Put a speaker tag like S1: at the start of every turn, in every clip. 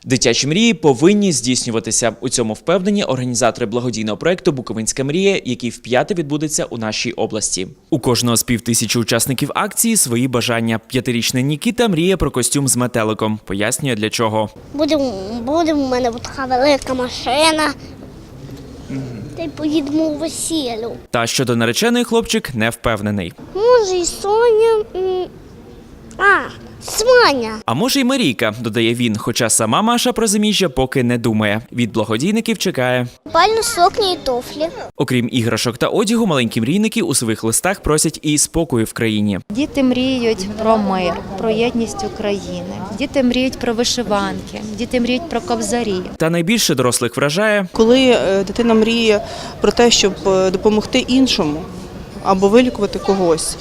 S1: Дитячі мрії повинні здійснюватися. У цьому впевнені організатори благодійного проєкту «Буковинська мрія», який вп'яте відбудеться у нашій області. У кожного з 5000 учасників акції свої бажання. 5-річний Нікіта мріє про костюм з метеликом. Пояснює, для чого.
S2: Буде у мене така велика машина. Та й поїдемо у весіллю.
S1: Та щодо нареченої хлопчик не впевнений.
S2: Може і Соня. Сваня.
S1: А може й Марійка, додає він, хоча сама Маша про заміжжя поки не думає. Від благодійників чекає.
S2: Бальну сукні і туфлі.
S1: Окрім іграшок та одягу, маленькі мрійники у своїх листах просять і спокою в країні.
S3: Діти мріють про мир, про єдність України. Діти мріють про вишиванки, діти мріють про кобзарі.
S1: Та найбільше дорослих вражає,
S4: коли дитина мріє про те, щоб допомогти іншому або вилікувати когось.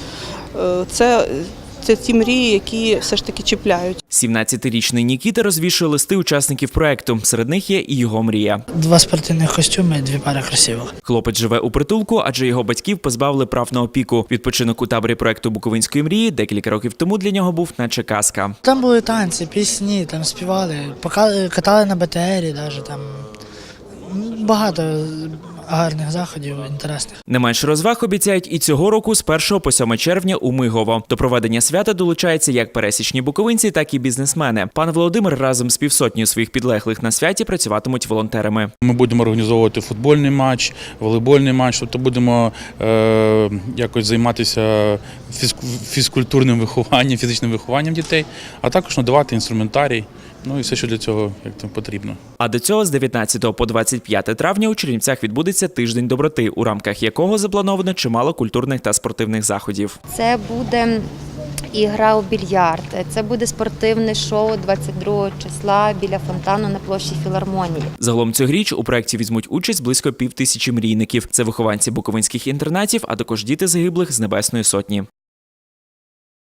S4: Це ті мрії, які все ж таки чіпляють.
S1: 17-річний Нікіта розвішує листи учасників проєкту. Серед них є і його мрія.
S5: 2 спортивних костюми, 2 пари кросівок.
S1: Хлопець живе у притулку, адже його батьків позбавили прав на опіку. Відпочинок у таборі проєкту «Буковинської мрії» декілька років тому для нього був наче казка.
S5: Там були танці, пісні, там співали, катали на БТРі, навіть там багато гарних заходів, інтересних.
S1: Не менше розваг обіцяють і цього року з 1 по 7 червня у Мигово. До проведення свята долучаються як пересічні буковинці, так і бізнесмени. Пан Володимир разом з півсотнею своїх підлеглих на святі працюватимуть волонтерами.
S6: Ми будемо організовувати футбольний матч, волейбольний матч, тобто будемо якось займатися фізкультурним вихованням, фізичним вихованням дітей, а також надавати інструментарій, ну і все, що для цього потрібно.
S1: А до цього з 19 по 25 травня у Чернівцях відбудеться тиждень доброти, у рамках якого заплановано чимало культурних та спортивних заходів.
S3: Це буде ігра у більярд, це буде спортивне шоу 22 числа біля фонтану на площі Філармонії.
S1: Загалом цьогоріч у проєкті візьмуть участь близько 5000 мрійників. Це вихованці буковинських інтернатів, а також діти загиблих з Небесної Сотні.